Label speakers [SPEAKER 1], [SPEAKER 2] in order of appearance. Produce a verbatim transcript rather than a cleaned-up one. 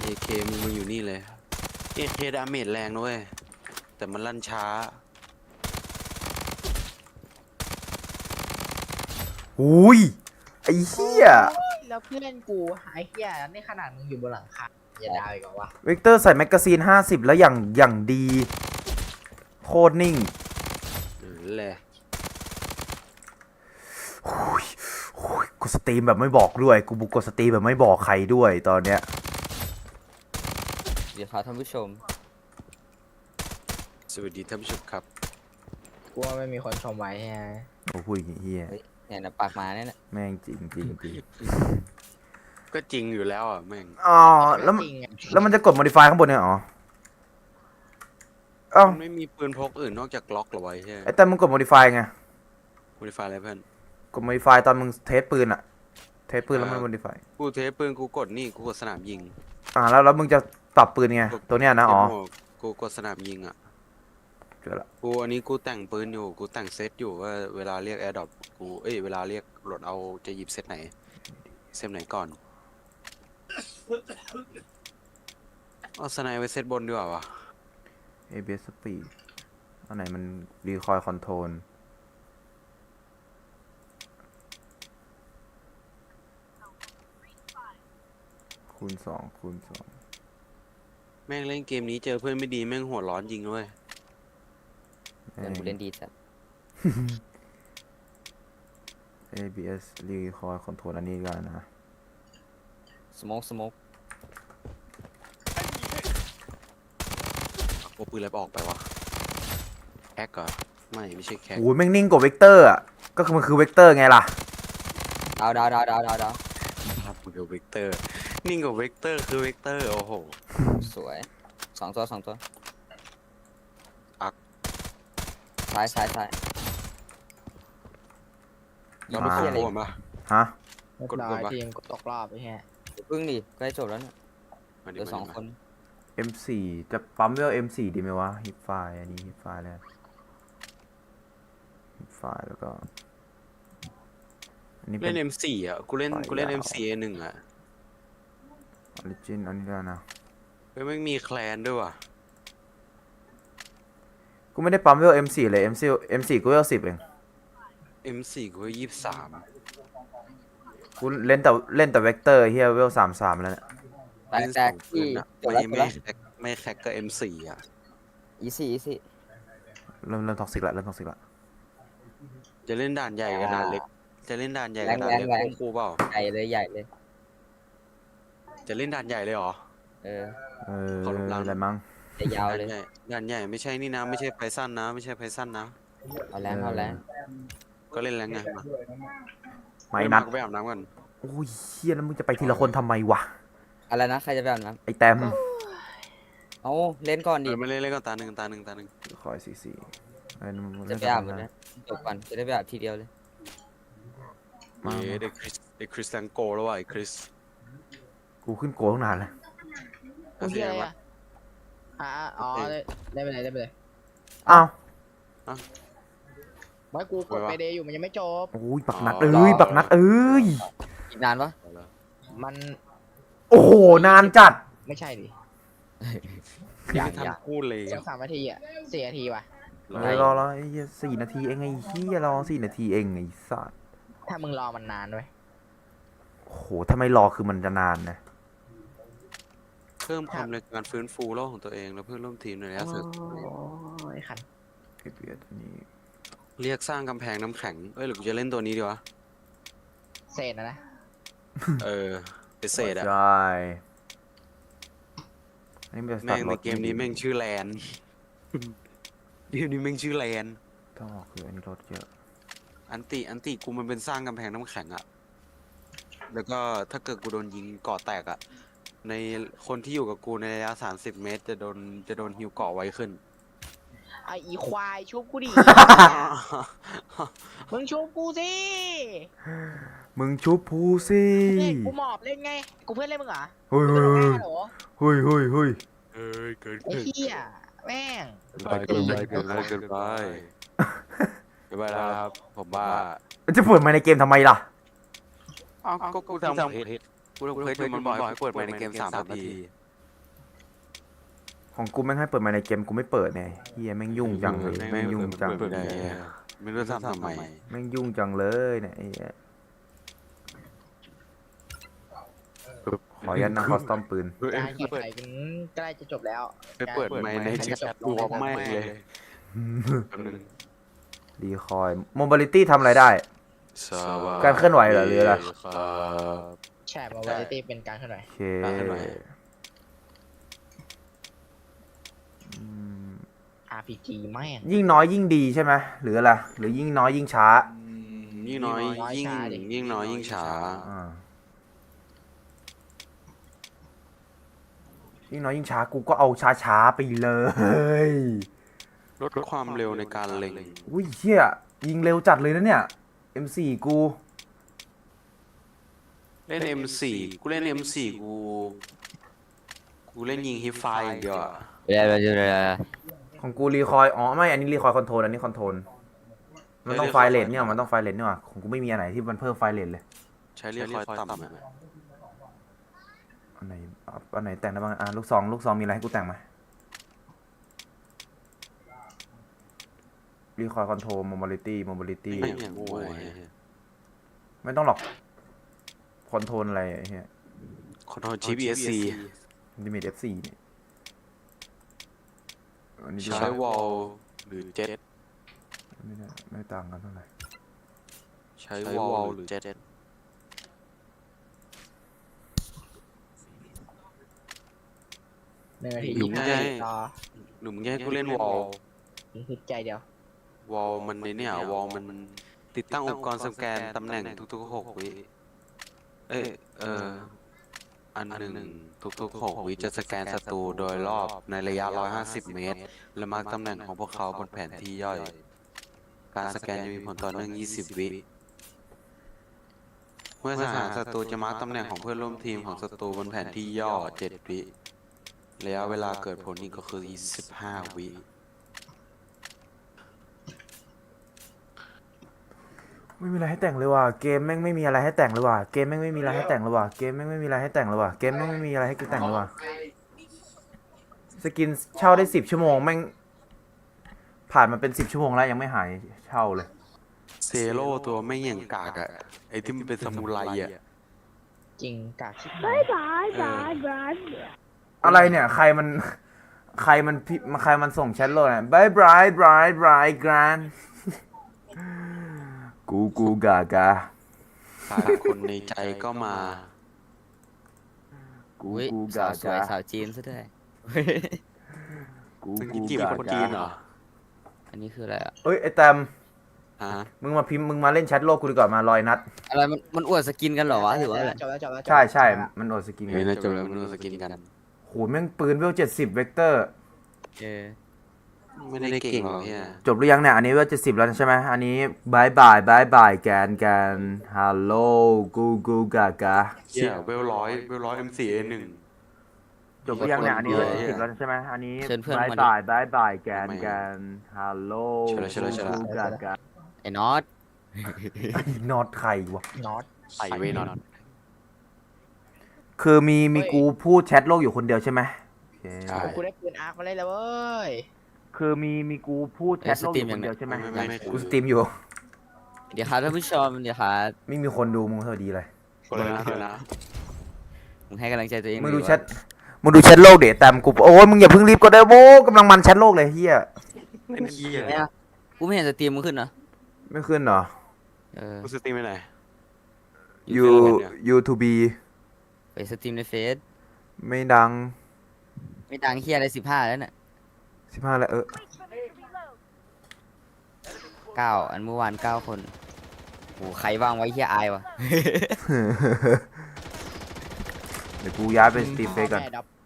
[SPEAKER 1] เคมึงมาอยู่นี่เลยเอเคดาเมจแรงด้วยแต่มันลั่นช้า
[SPEAKER 2] อุ้ยไอ้เหี้ย
[SPEAKER 3] แล้วเพื่อนกูไอ้เหี้ยนี่ขนาดมึงอยู่บนหลังคาอย่าดาวอีกเหรอวะ
[SPEAKER 2] เวกเตอร์ใส่แมกกาซีนห้าสิบแล้วอย่างอย่างดีโคตรนิ่ง
[SPEAKER 1] นั่นแหละ
[SPEAKER 2] โอ้ยโอ้ยกูสตรีมแบบไม่บอกด้วยกูบุกกดสตรีมแบบไม่บอกใครด้วยตอนเนี้ย
[SPEAKER 4] เดี๋ยวครับท่านผู้ชม
[SPEAKER 1] สวัสดีท่านผู้ชมครับ
[SPEAKER 3] กูว่าไม่มีคนชมไว้ฮะ
[SPEAKER 2] โอ้พูดอย่างเฮีย
[SPEAKER 4] เฮ้ยเนี่ยนะปากหมาเนี่ยนะ
[SPEAKER 2] แม่งจริงจริงจริง
[SPEAKER 1] ก็จริงอยู่แล้วอ่ะแม่ง
[SPEAKER 2] อ๋อแล้วมัน
[SPEAKER 3] จริงอะ
[SPEAKER 2] แล้วมันจะกด modify ข้างบนเนี่ยอ๋อเอ้า
[SPEAKER 1] มันไม่มีปืนพกอื่นนอกจากล็อกเหรอวะใช่ไหม
[SPEAKER 2] ไอ้แต่มึงกด modify ไง
[SPEAKER 1] โมดิฟายอะไรเพื่อน
[SPEAKER 2] กด modify ตอนมึงเทสปืนอะเทสปืนแล้วมัน modify
[SPEAKER 1] กูเทสปืนกูกดนี่กูกดสนามยิง
[SPEAKER 2] อ่าแล้วแล้วมึงจะปรับปืนไงตัวเนี้ยนะอ๋อ
[SPEAKER 1] เทสโหมดกูกดสนามยิงอ่ะ
[SPEAKER 2] เจอละ
[SPEAKER 1] กูอันนี้กูแต่งปืนอยู่กูแต่งเซตอยู่ว่าเวลาเรียกแอร์ดรอปกูเอ้ยเวลาเรียกรถเอาจะหยิบเซตไหนเซตไหนก่อนเอาสไนไว้เซตบนดีกว่าวะ
[SPEAKER 2] เอ บี เอส speed อันไหนมัน recoil control คูณสองคูณสอง
[SPEAKER 1] แม่งเล่นเกมนี้เจอเพื่อนไม่ดีแม่งหัวร้อนจริงด้วย
[SPEAKER 4] เพื่อนกูเล่นดีจัด
[SPEAKER 2] เอ บี เอส recoil control อันนี้กันนะ
[SPEAKER 4] สโมกสโมก
[SPEAKER 1] เอาปืนอะไรออกไปวะแคกเหรอไม่ไม่ใช่แคก
[SPEAKER 2] โอ้ยแม่งนิ่งกว่าเวกเตอร์อ่ะ ก็คือมันคือเวกเตอร์ไงล่ะ
[SPEAKER 4] ดาวดาวดาวดาวดาวดาว
[SPEAKER 1] ภาพมึงกับเวกเตอร์นิ่งกว่าเวกเตอร์คือเวกเตอร์โอ้โห
[SPEAKER 4] สวยสองตัวสองตัว
[SPEAKER 1] อัก
[SPEAKER 4] ซ้ายซ้ายซ้าย
[SPEAKER 1] เราไม่
[SPEAKER 2] อ่า
[SPEAKER 1] ควร
[SPEAKER 4] เลย
[SPEAKER 1] โกนปะ
[SPEAKER 2] ฮะ
[SPEAKER 3] เรียบ
[SPEAKER 1] กด
[SPEAKER 3] ร้อย
[SPEAKER 1] กดวะ
[SPEAKER 3] ทีมกดตกรอบไอ้เหี้ย
[SPEAKER 4] พึ่งดิใกล้จบแล้วเนี่ย
[SPEAKER 1] มา
[SPEAKER 4] เห
[SPEAKER 1] ดิ
[SPEAKER 4] ลือ
[SPEAKER 1] มา
[SPEAKER 4] สอง
[SPEAKER 1] ดิ
[SPEAKER 4] คน
[SPEAKER 2] เอ็ม สี่ จะปั๊มเวล เอ็ม สี่ ดีไหมวะ ฮิปไฟอันนี้ฮิปไฟแล้วฮิปไฟแล้วก็ อันนี้เป็
[SPEAKER 1] เล่
[SPEAKER 2] น
[SPEAKER 1] น เอ็ม โฟร์ อ่ะกูเล่น
[SPEAKER 2] ไป
[SPEAKER 1] กูเล่น
[SPEAKER 2] ยาว
[SPEAKER 1] เอ็ม โฟร์ เอ หนึ่งอ่ะ
[SPEAKER 2] ออริจินอันนี้แล้วนะ
[SPEAKER 1] เฮ้ยไม่งมีแคลนด้วยว่ะ
[SPEAKER 2] กูไม่ได้ปั๊มเวล เอ็ม สี่ เลย เอ็ม สี่ เอ็ม สี่ กูเวล สิบเอง
[SPEAKER 1] เอ็ม โฟร์ กูยี่สิบสาม
[SPEAKER 2] กูเล่นแต่เล่นแต่เวกเตอร์เฮียเวล สามสิบสาม แล้วเนี่ย
[SPEAKER 4] แตกแตกที่จบ
[SPEAKER 1] ไม่
[SPEAKER 4] แล้วจบ
[SPEAKER 1] ไม่
[SPEAKER 4] แล้ว
[SPEAKER 1] แคกไม่แคกก็ เอ็ม โฟร์ อ่ะ
[SPEAKER 4] อีซี่อีซี่
[SPEAKER 2] เริ่มเริ่มท็อกซิกละเริ่มท็อกซิกละ
[SPEAKER 1] จะเล่นด่านใหญ่กับด่านเล็ก จะเล่นด่านใหญ่กับด่านเล็กควบคู่เปล่า
[SPEAKER 4] ใหญ่เลยใหญ่เลย
[SPEAKER 1] จะเล่นด่านใหญ่เลยเหรอ
[SPEAKER 4] เออ
[SPEAKER 2] เออ
[SPEAKER 1] ขอลบล้าง
[SPEAKER 2] อะไรมั้ง
[SPEAKER 4] ยาว
[SPEAKER 1] ด่าน
[SPEAKER 4] เลย
[SPEAKER 1] ใหญ่ด่านใหญ่ไม่ใช่นี่นะไม่ใช่ไพซันนะไม่ใช่ไพซันนะ
[SPEAKER 4] เอาแรงเอาแรง
[SPEAKER 1] ก็เล่นแล้วไงมา
[SPEAKER 2] ไม่นัด
[SPEAKER 1] กูไปอาบน้ำก่อน
[SPEAKER 2] โอ้ยเฮียแล้วมึงจะไปทีละคนทำไมวะ
[SPEAKER 4] อะไรนะใครจะแบบนั้น
[SPEAKER 2] ไอแต้ม
[SPEAKER 4] เอาเล่นก่อน
[SPEAKER 1] เอ
[SPEAKER 4] ดิ
[SPEAKER 1] อมาเล่นเล่นก่อนตาหนึ่งตาหนึ่งตาหนึ่ง
[SPEAKER 2] คอยสี่สี่ไอ้นั่นมึง
[SPEAKER 4] จะ
[SPEAKER 2] เล่น
[SPEAKER 4] ไป
[SPEAKER 2] ส
[SPEAKER 4] อา
[SPEAKER 2] อบ ง
[SPEAKER 4] หมด
[SPEAKER 2] คน
[SPEAKER 4] นะ
[SPEAKER 2] นะ
[SPEAKER 4] จบก่อนจะได้ไปอาบทีเดียวเลย
[SPEAKER 2] มา
[SPEAKER 1] เย้ได้คริสได้คริสตังโกแล้วว่ะไอ้คริส
[SPEAKER 2] กูขึ้นโกตั้งนานแล้ว
[SPEAKER 3] กูเหี้ยอะไรอะอ่ะอ๋อได้ได้ไปเลยได้ไปเลย
[SPEAKER 2] อ้าว
[SPEAKER 3] ไม่กูกดไปเดย์อยู่มันยังไม่จบ
[SPEAKER 2] โอ้ยบักนัดเอ้ยบักนัดเอ้ย
[SPEAKER 4] อีกนานปะ
[SPEAKER 1] เอาละ
[SPEAKER 3] มัน
[SPEAKER 2] โอ้โหนานจัด
[SPEAKER 3] ไม่ใช่ดิ
[SPEAKER 1] พี่ไม่ทันพูดเลย
[SPEAKER 3] สองสามนาทีอ่ะสี่นาทีว่ะ
[SPEAKER 2] เออรอรอไอ้เหี้ยสี่นาทีเองไอ้เหี้ยรอสี่นาทีเองไอ้สัส
[SPEAKER 3] ถ้ามึงรอมันนานด้วย
[SPEAKER 2] โอ้โหถ้าไม่รอคือมันจะนานนะ
[SPEAKER 1] เพิ่มความในการฟื้นฟูโลกของตัวเองแล้วเพื่อนร่วมทีมในระยะสุด
[SPEAKER 3] โอ้ยขัน
[SPEAKER 2] เอพีเอสนี้
[SPEAKER 1] เรียกสร้างกำแพงน้ำแข็งเอ้ยหรือกูจะเล่นตัวนี้ดีวะ
[SPEAKER 3] เศษนะนะ
[SPEAKER 1] เออเป็นเศษอะ
[SPEAKER 2] ใช่อันนี้มันจะ
[SPEAKER 1] แม่ง
[SPEAKER 2] ตัดร
[SPEAKER 1] ใน
[SPEAKER 2] ถ
[SPEAKER 1] เกมนี้แม่งชื่อแลน เกมนี้แม่งชื่อแลน
[SPEAKER 2] ต้องออกคืออันนี้รถเยอะ
[SPEAKER 1] อันติอันติกูมันเป็นสร้างกำแพงน้ำแข็งอะแล้วก็ถ้าเกิดกูโดนยิงเกาะแตกอะในคนที่อยู่กับกูในระยะสามสิบเมตรจะโดนจะโดนฮิวเกาะไวขึ้น
[SPEAKER 3] ไออีควายชุบกูดิ มึงชุบกูสิ
[SPEAKER 2] มึงชุบพูสิ
[SPEAKER 3] เล่นกูหมอบเล่นไง กูเพื่อนเล่นมึงเหรอ
[SPEAKER 2] เฮ้ย
[SPEAKER 3] มึ
[SPEAKER 2] เฮ้
[SPEAKER 3] ง
[SPEAKER 2] ย
[SPEAKER 3] เป็นหัวหน้าเหรอ
[SPEAKER 2] เฮ้ยเฮ้ยเฮ้ย
[SPEAKER 1] เอ้ยเกิน
[SPEAKER 3] ไอ้เหี้ยแม่ง
[SPEAKER 1] ไปเกินไปเกินไปเกินไปเกินไปแล้วครับ ผมว่า
[SPEAKER 2] มันจะเปิดมาในเกมทำไมล่ะ
[SPEAKER 1] อ้าวก็กูทำเพจกูทำเพจอยู่มันบอกให้เปิดไปในเกมสามนาที
[SPEAKER 2] ของกูแม่งให้เปิดมาในเกมกูไม่เปิดไงเฮียแม่งยุ่งจังเลยแม่งยุ่งจัง
[SPEAKER 1] เปิดได้ไม่รู้ทำทำไม
[SPEAKER 2] แม่งยุ่งจังเลยเนี่ยไอ้เหี้ยขอยันนั่งคอสตอมปืน
[SPEAKER 3] การแข่งขันกันใกล้จะจบแล้ว
[SPEAKER 1] ไปเปิดไมค์ในแชทรวมไม่เลยแป๊บนึง
[SPEAKER 2] ดีคอยโมบิลิตี้ทำอะไรได้
[SPEAKER 1] สวัสดี
[SPEAKER 2] การเคลื่อนไหวเหรอหรืออะไร
[SPEAKER 1] ครับ
[SPEAKER 3] แชร์มาวันตี้เป็นการเท่าไหร่
[SPEAKER 2] โอเค
[SPEAKER 1] การเคลื่อนไหว
[SPEAKER 2] อืม
[SPEAKER 3] อาร์ พี จี แม่ง
[SPEAKER 2] ยิ่งน้อยยิ่งดีใช่ไหมหรืออะไรหรือยิ่งน้อยยิ่งช้า
[SPEAKER 1] ยิ่งน้อยยิ่งยิ่งน้อยยิ่งช้า
[SPEAKER 2] อ่ายิ่งน้อยยิ่งช้ากูก็เอาช้าช้าๆไปเลย
[SPEAKER 1] ลดความเร็วในการเล็ง
[SPEAKER 2] อุ้ยเฮียยิงเร็วจัดเลยนะเนี่ย เอ็ม โฟร์ กู
[SPEAKER 1] เล่น เอ็ม โฟร์ กูเล่น เอ็ม โฟร์ กู กูเล่นยิงฮิปไฟอย่างเดียวอะ
[SPEAKER 4] เดี๋ยวเดี๋ยวเดี๋ยว
[SPEAKER 2] ของกูรีคอยอ๋อไม่อันนี้รีคอยคอนโทรลอันนี้คอนโทรลมันต้องไฟเลทเนี่ยมันต้องไฟเลทเนี่ยว่ะของกูไม่มีอันไหนที่มันเพิ่มไฟเลทเลย
[SPEAKER 1] ใช้เรียกคอยต่ำอะ
[SPEAKER 2] อันไหนอ่ะอันไหนแต่งได้บ้างอ่ะลูกซองลูกซองมีอะไรให้กูแต่งไหมรีคอยคอนโทรลโมบิลิตี้โมบิลิตี้
[SPEAKER 1] ไม่อย่างโง่ไอ้เหี้ย
[SPEAKER 2] ไม่ต้องหรอกคอนโทรลอะไรไอ้เหี้ย
[SPEAKER 1] คอนโทรลชิป อี เอส ซี
[SPEAKER 2] ลิมิต เอฟ โฟร์ เนี่ยอันนี้ดู
[SPEAKER 1] ใช้วอลหรือเจ็ต
[SPEAKER 2] ไม่ได้ไม่ต่างกันเท่าไหร่
[SPEAKER 1] ใช้วอลหรือเจ็ต
[SPEAKER 3] หนึ่งนาที
[SPEAKER 1] หรือ
[SPEAKER 3] ยี่
[SPEAKER 1] มึ
[SPEAKER 3] สิ
[SPEAKER 1] ง
[SPEAKER 3] บ
[SPEAKER 1] จะ
[SPEAKER 3] นา
[SPEAKER 1] ให้
[SPEAKER 3] ทีต่อ
[SPEAKER 1] หรือมึงจะให้กูเล่นวอล
[SPEAKER 3] ฮึดใจเดียว
[SPEAKER 1] วอลมันในเนี่ยวอลมันติดตั้งอุปกรณ์สแกนตำแหน่งทุกๆหกวิ เอ้ยเอออันหนึ่งทุกๆหกวิจะสแกนศัตรูโดยรอบในระยะหนึ่งร้อยห้าสิบเมตร และมาร์คตำแหน่งของพวกเขาบนแผนที่ย่อย การสแกนจะมีผลต่อเนื่องยี่สิบวิ เมื่อทหารศัตรูจะมาร์คตำแหน่งของเพื่อนร่วมทีมของศัตรูบนแผนที่ย่อเจ็ดวิ ระยะเวลาเกิดผลนี่ก็คือยี่สิบห้าวิ
[SPEAKER 2] ไม่มีอะไรให้แต่งเลยว่ะเกมแม่งไม่มีอะไรให้แต่งเลยว่ะเกมแม่งไม่มีอะไรให้แต่งเลยว่ะเกมแม่งไม่มีอะไรให้แต่งเลยว่ะเกมแม่งไม่มีอะไรให้กูแต่งเลยว่ะสกินเช่าได้สิบชั่วโมงแม่งผ่านมาเป็นสิบชั่วโมงแล้วยังไม่หายเช่าเลย
[SPEAKER 1] เซโร่ตัวไม่งอย่างกากอะไอที่มันเป็นสมุไรอะ
[SPEAKER 3] จริงกากชิบหาย
[SPEAKER 5] Bye bye bye bye.
[SPEAKER 2] อะไรเนี่ยใครมันใครมันพิใครมันส่งแชทโลดเนี่ยบายบายบายบายกรานกูกูกากา
[SPEAKER 1] ขาดคนในใจก็มา
[SPEAKER 2] กู
[SPEAKER 4] อุ้ย
[SPEAKER 2] กู
[SPEAKER 4] สาก
[SPEAKER 2] าว
[SPEAKER 4] สวย
[SPEAKER 2] กา
[SPEAKER 4] สาวจีนซะด้วย
[SPEAKER 2] กู
[SPEAKER 1] มึง
[SPEAKER 2] กู
[SPEAKER 1] จีบ
[SPEAKER 2] กา
[SPEAKER 1] คนจี
[SPEAKER 2] กาน
[SPEAKER 1] เหรอ
[SPEAKER 4] อันนี้คืออะไรอ่ะ
[SPEAKER 2] เอ้ยไอแตม
[SPEAKER 1] ฮะ
[SPEAKER 2] มึงมาพิมพ์มึงมาเล่นแชทโลกกูดีกว่ามาลอยนัด
[SPEAKER 4] อะไรมันมันอวดสกินกันเหรอวะหรือว่าอะไร
[SPEAKER 3] จบแล้วจบแล้วจบแล้ว
[SPEAKER 2] ใช่ใช่มันโอดสกิน
[SPEAKER 1] เฮ้ย
[SPEAKER 2] ไง
[SPEAKER 1] น่าจะแล้วมันสกินกัน
[SPEAKER 2] โหแม่งปืนเวลเจ็ดสิบเวกเตอร์
[SPEAKER 4] เออ
[SPEAKER 1] ไม่ได้เก่งหรอกเนี่ย
[SPEAKER 2] จบหรือยังเนี่ย อันนี้ว่าจะสิบแล้วใช่ไหมอันนี้บายบายบายบายแกนแกนฮัลโหลกูกูกากา
[SPEAKER 1] เชี่ยเวลร้อยเวลร้อย เอ็ม สี่ เอ หนึ่ง
[SPEAKER 2] จบหรือยังเนี่ย อันนี้ว่าจะสิบแล้วใช่ไหมอันนี้
[SPEAKER 4] เชิญเพื่อน
[SPEAKER 2] บาย
[SPEAKER 4] มาดิ
[SPEAKER 2] บายบายบายแกนแกนฮัลโหล
[SPEAKER 1] เชิญเลยเชิญเลยเชิญเลย
[SPEAKER 2] กูกากา
[SPEAKER 4] ไอ้น็อต
[SPEAKER 2] นอตใครวะ
[SPEAKER 3] น็อต
[SPEAKER 1] ใส่ไว้นอน
[SPEAKER 2] คือมีมีกูพูดแชทโลกอยู่คนเดียวใช่ไหมโอเค
[SPEAKER 1] ใช่
[SPEAKER 3] กูได้ปืนอาร์คมาเลยแล้วเว้ย
[SPEAKER 2] คือมีมีกูพูดแชทโลกอยู่คนเดียวใช่ไหม
[SPEAKER 1] ไม่ไม่ไม่
[SPEAKER 2] กูสตรีมอยู่
[SPEAKER 4] เดี๋ยวครับท่านผู้ชมเดี๋ยวครับ
[SPEAKER 2] ไม่มีคนดูมึงสวัสดีเลย
[SPEAKER 1] คนละนะคนละนะ
[SPEAKER 4] มึงให้กำลังใจตัวเอง
[SPEAKER 2] มึงดู
[SPEAKER 4] หน่อย
[SPEAKER 2] แชทมึงดูแชทโลกเดี๋ยวแตมกูโอ้ยมึงอย่าเพิ่งรีบก็ได้โว้กำลังมันแชทโลกเลยเฮีย
[SPEAKER 1] เล่นเฮีย
[SPEAKER 4] เนี่ยกูไม่เห็นสตรีมมึงขึ้นนะ
[SPEAKER 2] ไม่ขึ้นเหรอ
[SPEAKER 4] เออ
[SPEAKER 1] กูสตรีมไปไหน
[SPEAKER 2] ยูยูทูบี
[SPEAKER 4] ไปสตรีมในเฟซ
[SPEAKER 2] ไม่ดัง
[SPEAKER 4] ไม่ดังเฮียอะไรสิบห้าแล้วเนี่ย
[SPEAKER 2] สิบห้าแล้วเออ
[SPEAKER 4] เก้าอันเมื่อวานเก้าคนโหใครว่างไว้เฮียอายวะ
[SPEAKER 2] เดี๋ยวกูย้ายไปสตรีมเฟซก่อน
[SPEAKER 3] พ่อแม่ดับ